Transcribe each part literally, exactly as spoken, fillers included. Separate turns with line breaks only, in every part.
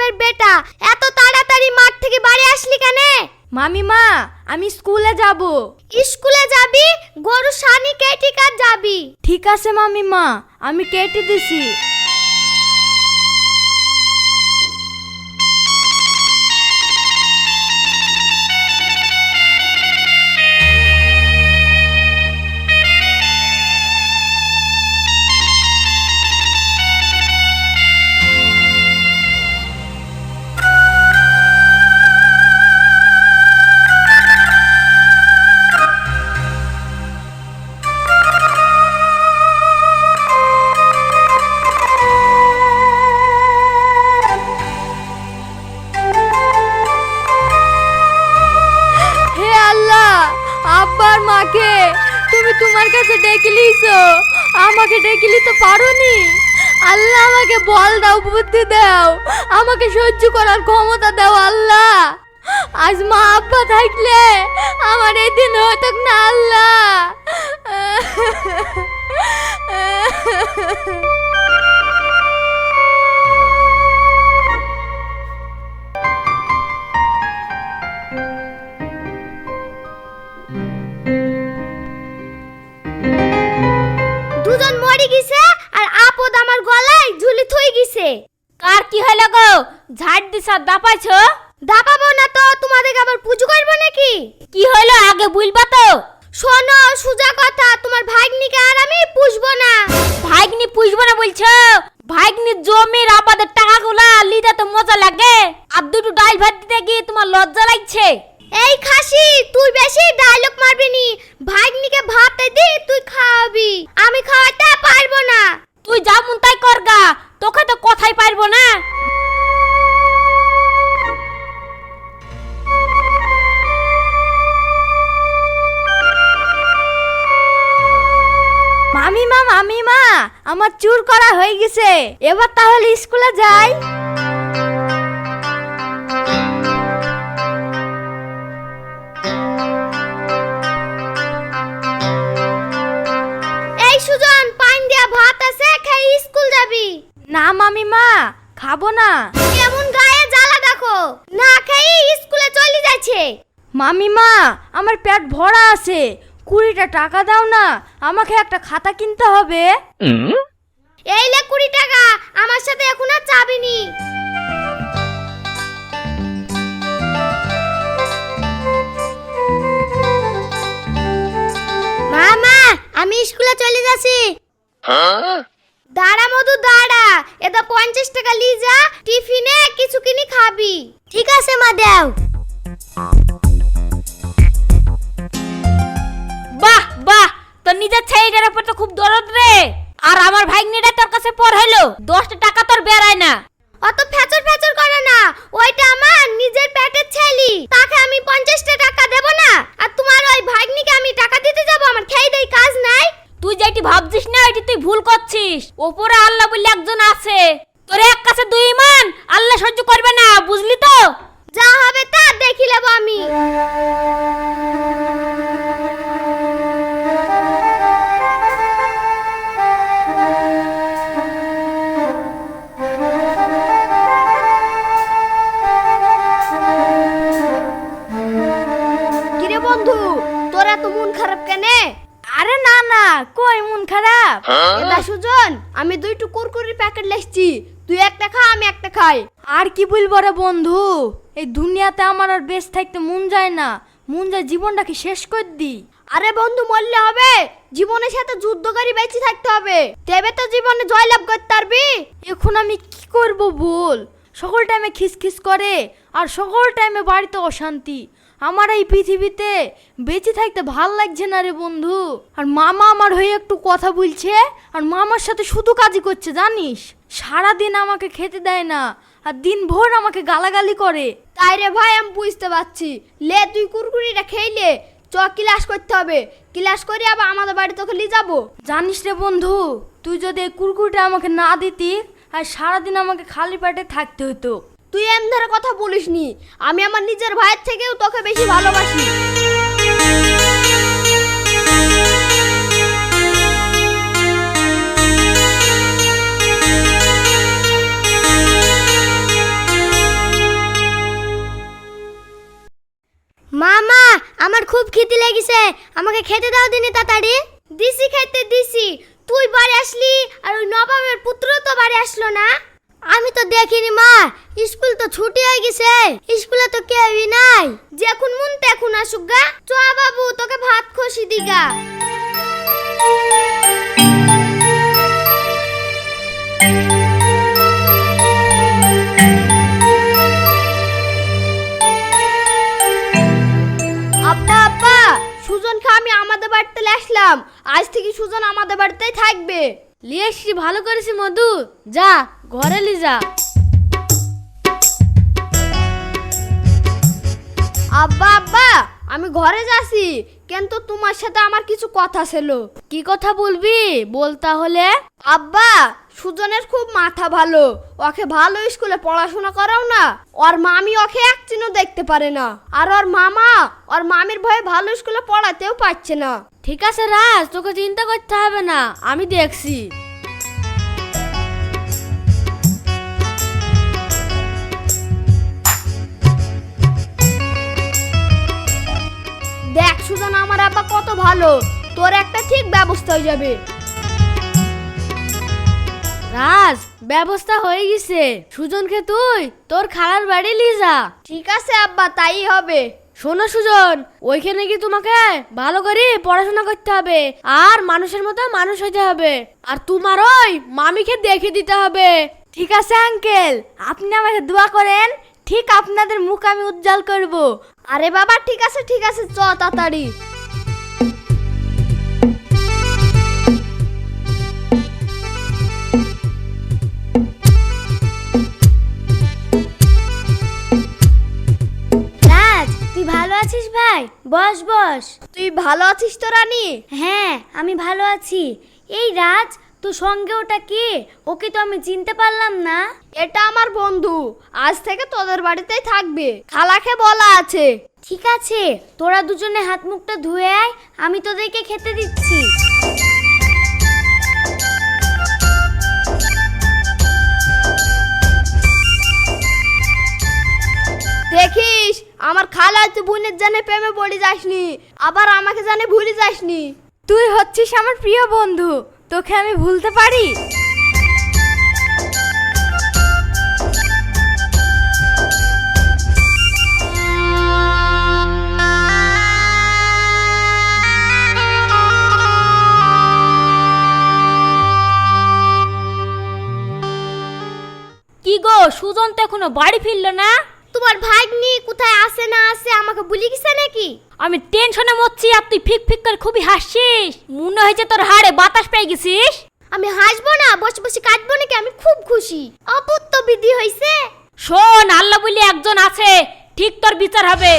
বাজারের বেটা, এত তাড়াতাড়ি মাঠ থেকে বাড়ি আসলি কেন?
মামিমা, আমি স্কুলে যাব।
স্কুলে যাবি? গরু সানি কেটে কাট যাবি।
ঠিক আছে মামিমা, আমি কেটে দিছি। আব্বার মাকে তুমি তোমার কাছে ডেকে লিছো, আমাকে ডেকে লিতে পারোনি। আল্লাহ আমাকে বল দাও, বুদ্ধি দাও, আমাকে সহ্য করার ক্ষমতা দাও আল্লাহ। আজ মা আব্বা থাকলে আমার এই দিন হতো না আল্লাহ।
দুজন মরে গেছে আর আপদ আমার গলায় ঝুলি থই গেছে।
কার কি হলো গো? ঝাড় দিছা দাপাইছো?
দাপাবো না তো, তোমাদের আবার পুজো করবো নাকি?
কি হলো আগে বলবা তো।
শোনো, সুজা কথা, তোমার ভাগ্নিকে আর আমি পুষবো না।
ভাগ্নি পুষবো না বলছো? ভাগ্নি জমির আবাদের টাকাগুলা লিতে তো মজা লাগে, আর দুটো ডাল ভাত দিতে গিয়ে তোমার লজ্জা লাগছে।
এই খাসি, তুই বেশি ডায়লগ মারবি নি। ভাগ্নিকে ভাতে দি, তুই খাওয়াবি, আমি খাওয়াতে পারবো না।
তুই যা মন তাই করগা, তোকে তো কথাই পারবো না। মামিমা মামিমা, আমার চুর করা হয়ে গেছে, এবার তাহলে স্কুলে যাই।
এই সুজন, পান দিয়া ভাত আছে, খাই স্কুল যাবি।
না মামিমা, খাবো না।
কেমন গায়ে জ্বালা দেখো, না খাই স্কুলে চলে যাচ্ছে।
মামিমা, আমার পেট ভরা আছে, কুড়িটা টাকা দাও না, আমাকে একটা খাতা কিনতে হবে।
এই লে কুড়ি টাকা, আমার সাথে এখন আর যাবি নি। মামা, আমি স্কুলে চলে যাচ্ছি। দাঁড়া মধু দাঁড়া, এটা পঞ্চাশ টাকা লি যা, টিফিনে কিছু কিনি খাবি। ঠিক আছে মা, দাও।
বাহ বাহ, তোর নিজের ছেলেটার উপর তো খুব দরদ রে। আর আমার ভাগ্নিটা তোর কাছে পর হলো, দশটা টাকা তোর বেরায় না।
অত ফেচর ফেচর করে না, ওইটা আমার নিজের পেটের ছেলি, তাকে আমি পঞ্চাশটা টাকা দেব না? আর তোমার ওই ভাগ্নিকে আমি টাকা দিতে যাব? আমার খেয়ে দেই কাজ নাই।
তুই যেটি ভাবছিস না, ওইটি তুই ভুল করছিস। ওপরে আল্লাহ বলে একজন আছে, তোর এক কাছে দুই ইমান, আল্লাহ সহ্য করবে না, বুঝলি তো?
যা হবে তা দেখি নেব আমি। কিরে বন্ধু, তোর এত মন খারাপ কেনে?
আরে না না, কই মন খারাপ?
এটা সুজন, আমি দুইটু কুরকুরির প্যাকেট লেখছি, তুই একটা খা, আমি একটা খাই।
আর কি বলবো রে বন্ধু, এই দুনিয়াতে আমার আর বেঁচে থাকতে মন যায় না, মন যায় জীবনটাকে শেষ করে দি।
আরে বন্ধু, মরলে হবে? জীবনের সাথে যুদ্ধ করে বেঁচে থাকতে হবে, তবে তো জীবনে জয়লাভ করতে পারবি।
এখন আমি কি করব বল? সকল টাইমে খিসখিস করে, আর সকল টাইমে বাড়িতে অশান্তি। আমার এই পৃথিবীতে বেঁচে থাকতে ভাল লাগছে না রে বন্ধু। আর মামা আমার হয়ে একটু কথা বলছে, আর মামার সাথে শুধু কাজই করছে জানিস। সারাদিন আমাকে খেতে দেয় না, আর দিন ভোর আমাকে গালাগালি করে।
তাই রে ভাই, আমি বুঝতে পারছি। লে, তুই কুরকুরিটা খেইলে চ, ক্লাস করতে হবে, ক্লাস করে আবার আমাদের বাড়ি তোকে নিয়ে যাবো।
জানিস রে বন্ধু, তুই যদি এই কুরকুরিটা আমাকে না দিতি, আর সারাদিন আমাকে খালি পেটে থাকতে হতো।
তুই এম ধরে কথা বলিসনি, আমি আমার নিজের ভাইয়ের থেকেও তোকে বেশি ভালোবাসি। মা আমার খুব খিদে লেগেছে, আমাকে খেতে দাও দিনি তাড়াতাড়ি। দিছি খেতে দিছি, তুই বাড়ি আসলি আর ওই নবাবের পুত্র তো বাড়ি আসলো না। আমি তো দেখিনি মা, স্কুল তো ছুটি হয়ে গেছে, স্কুলে তো কেউই নাই। যখন মন তখন আসুক গা। চ বাবু তোকে ভাত খসি দিগা। আব্বা আব্বা, সুজনকে আমি আমাদের বাড়িতে আসলাম, আজ থেকে সুজন আমাদের বাড়িতেই থাকবে।
লিয়ে এসছি, ভালো করেছি মধু, যা ঘরে লি যা।
আব্বা আব্বা, আমি ঘরে যাচ্ছি, কিন্তু তোমার সাথে আমার কিছু কথা ছিল।
কি কথা বলবি বল তাহলে।
আব্বা, সুজনের খুব মাথা ভালো, ওকে ভালো স্কুলে পড়াশোনা করাও না। ওর মামি ওকে একদিনও দেখতে পারে না, আর ওর মামা ওর মামির ভয়ে ভালো স্কুলে পড়াতেও পারছে না।
ঠিক আছে রাজ, তোকে চিন্তা করতে হবে না, আমি দেখছি।
দেখ সুজন, আমার আব্বা কত ভালো, তোর একটা ঠিক ব্যবস্থা হয়ে যাবে।
রাজ, ব্যবস্থা হয়ে গেছে, সুজনকে তুই তোর খালার বাড়ি নিয়ে যা।
ঠিক আছে আব্বা, তাই হবে।
শোনো সুজন, ওইখানে কি তোমাকে ভালো করে পড়াশোনা করতে হবে, আর মানুষের মতো মানুষ হতে হবে, আর তোমার ওই মামিকে দেখে দিতে হবে। ঠিক আছে আঙ্কেল, আপনি আমাকে দোয়া করেন, ঠিক আপনাদের মুখ আমি উজ্জ্বল করব।
আরে বাবা, ঠিক আছে ঠিক আছে, চ তাড়াতাড়ি। রাজ, তুই ভালো আছিস ভাই? বস বস। তুই ভালো আছিস তো রানী? হ্যাঁ, আমি ভালো আছি। এই রাজ, তোর সঙ্গে ওটা কে? ওকে তো আমি চিনতে পারলাম না। এটা আমার বন্ধু, আজ থেকে তোদের বাড়িতেই থাকবে, খালাকে বলা আছে। ঠিক আছে, তোরা দুজনে হাত মুখটা ধুয়ে আয়, আমি তোদেরকে খেতে দিচ্ছি। দেখিস, আমার খালা তুই বোনের জানে প্রেমে পড়ে যাসনি, আবার আমাকে জানে ভুলে যাসনি।
তুই হচ্ছিস আমার প্রিয় বন্ধু, তোকে আমি ভুলতে পারি? কি গো, সুজন তো এখনো বাড়ি ফিরলো না?
তোমার ভাগ্নি কোথায় আছে না আছে আমাকে ভুলে গেছে নাকি?
আমি টেনশনে মরছি, আর তুই ফিক ফিক করে খুবই হাসছিস, মনে হয়েছে তোর হাড়ে বাতাস পেয়ে গেছিস।
আমি হাসবো না, বসে বসে কাটবো নাকি? আমি খুব খুশি, অপুত্ত বিধি হয়েছে।
শোন, আল্লাহ বলে একজন আছে, ঠিক তোর বিচার হবে।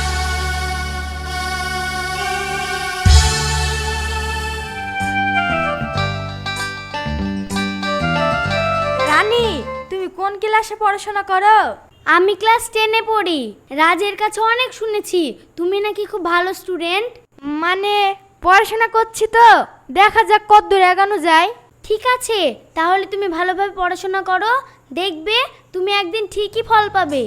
রানী, তুমি কোন ক্লাসে পড়াশোনা করো?
আমি ক্লাস টেনে পড়ি। রাজের কাছে অনেক শুনেছি তুমি নাকি খুব ভালো স্টুডেন্ট।
মানে পড়াশোনা করছি তো, দেখা যাক কতদূর এগোনো যায়।
ঠিক আছে, তাহলে তুমি ভালোভাবে পড়াশোনা করো, দেখবে তুমি একদিন ঠিকই ফল পাবে।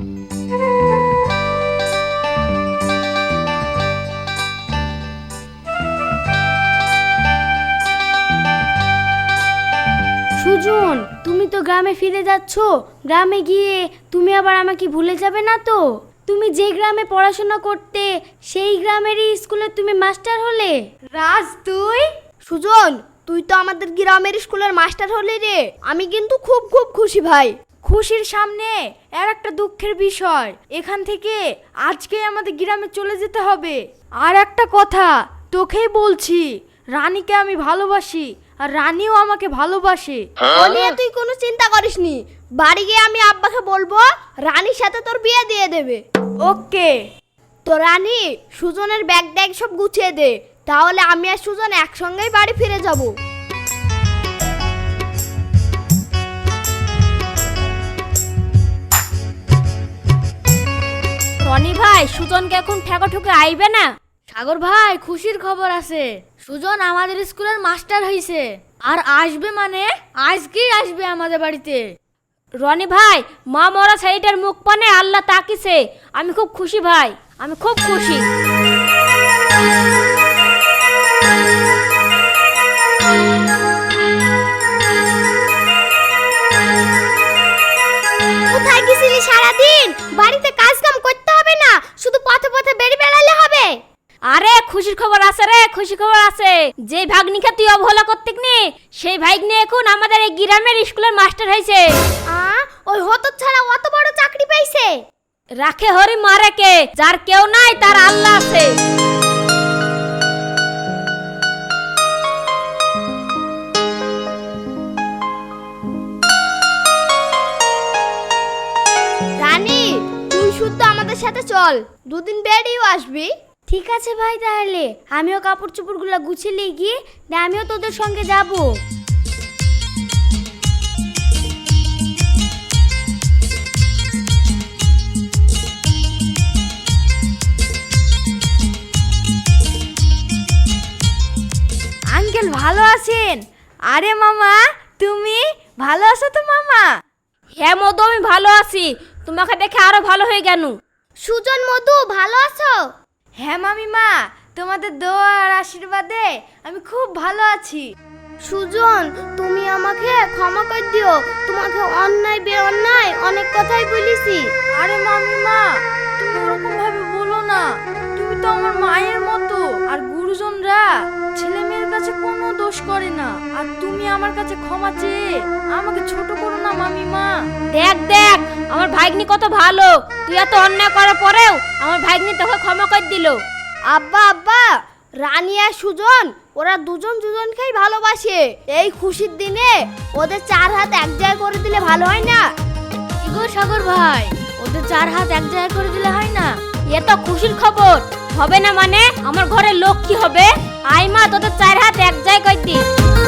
সুজন, তুমি তো গ্রামে ফিরে যাচ্ছ, গ্রামে গিয়ে তুমি আবার আমাকে ভুলে যাবে না তো? তুমি যে গ্রামে পড়াশোনা করতে, সেই গ্রামেরই স্কুলে তুমি মাস্টার হলে।
রাজ, তুই?
সুজন, তুই তো আমাদের গ্রামের স্কুলের মাস্টার হলি রে, আমি কিন্তু খুব খুব খুশি ভাই।
খুশির সামনে আর একটা দুঃখের বিষয়, এখান থেকে আজকে আমাদের গ্রামে চলে যেতে হবে। আর একটা কথা তোকেই বলছি, রানীকে আমি ভালোবাসি, আর রানীও আমাকে ভালোবাসে।
ও নিয়ে তুই কোনো চিন্তা করিস নি, বাড়ি গিয়ে আমি আব্বাকে বলবো রানীর সাথে তোর বিয়ে দিয়ে দেবে।
ওকে।
তো রানী, সুজনের ব্যাগ ট্যাগ সব গুছিয়ে দে, তাহলে আমি আর সুজন একসঙ্গেই বাড়ি ফিরে যাব।
রনি ভাই, সুজনকে এখন ঠেকা ঠুকে আইবে না? সাগর ভাই, খুশির খবর আছে, সুজন আমাদের স্কুলের মাস্টার হইছে, আর আসবে মানে আজকেই আসবে আমাদের বাড়িতে। রনি ভাই, মা মরা ছেলেটার মুখ পানে আল্লাহ তাকিছে, আমি খুব খুশি ভাই।
আমি খুব খুশি। কোথায় গেছিলি সারাদিন? বাড়িতে কাজ কাম করতে হবে না, শুধু পথে পথে বেরিয়ে বেড়ালে হবে। আরে খুশির খবর আছে রে, খুশি খবর আছে। যে ভাগ্নিকে তুই অবহেলা করতিক নি, সেই ভাগ্নি এখন আমাদের এই গ্রামের স্কুলের মাস্টার হয়েছে। আ ওই হতো ছাড়া অত বড় চাকরি পাইছে। রাখে হরি মারে কে, যার কেউ নাই তার আল্লাহ আছে। রানী, তুই শুদ্ধ আমাদের সাথে চল, দুদিন বেরিয়েও আসবি। ঠিক আছে ভাই, তাহলে আমিও কাপড় চোপড়গুলো গুছিয়ে গিয়ে আমিও তোদের সঙ্গে যাব।
আঙ্কেল ভালো আছেন? আরে মামা, তুমি ভালো আছো তো মামা?
হ্যাঁ মধু, আমি ভালো আছি। তোমাকে দেখে আরো ভালো হয়ে গেল। সুজন, মধু ভালো আছো?
হ্যাঁ মামিমা, তোমাদের দোয়া আর আশীর্বাদে আমি খুব ভালো আছি।
সুজন, তুমি আমাকে ক্ষমা করে দিও, তোমাকে অন্যায় বে অন্যায় অনেক কথাই বলেছি।
আরে মামিমা, তুমি ওরকম ভাবে বলো না। তুমি তো আমার মায়ের মতো, আর গুরুজনরা ছেলে মেয়ের কাছে কোনো দোষ করে না। আর তুমি আমার কাছে ক্ষমা চেয়ে আমাকে ছোট করো না মামিমা।
দেখ দেখ, আমার ভাগ্নি কত ভালো। তুই এত অন্যায় করার পরেও আমার ভাগ্নি তোকে ক্ষমা করে দিল। আব্বা আব্বা, রানী আর সুজন ওরা দুজন দুজনকেই ভালোবাসে। এই খুশির দিনে ওদের চার হাত এক জায়গায় করে দিলে ভালো হয় না?
কি গো সাগর ভাই, ওদের চার হাত এক জায়গায় করে দিলে হয় না?
এ তো খুশির খবর। হবে না মানে? আমার ঘরে লক্ষ্মী হবে। আই মা, তোদের চার হাত এক জায়গায় করে দি।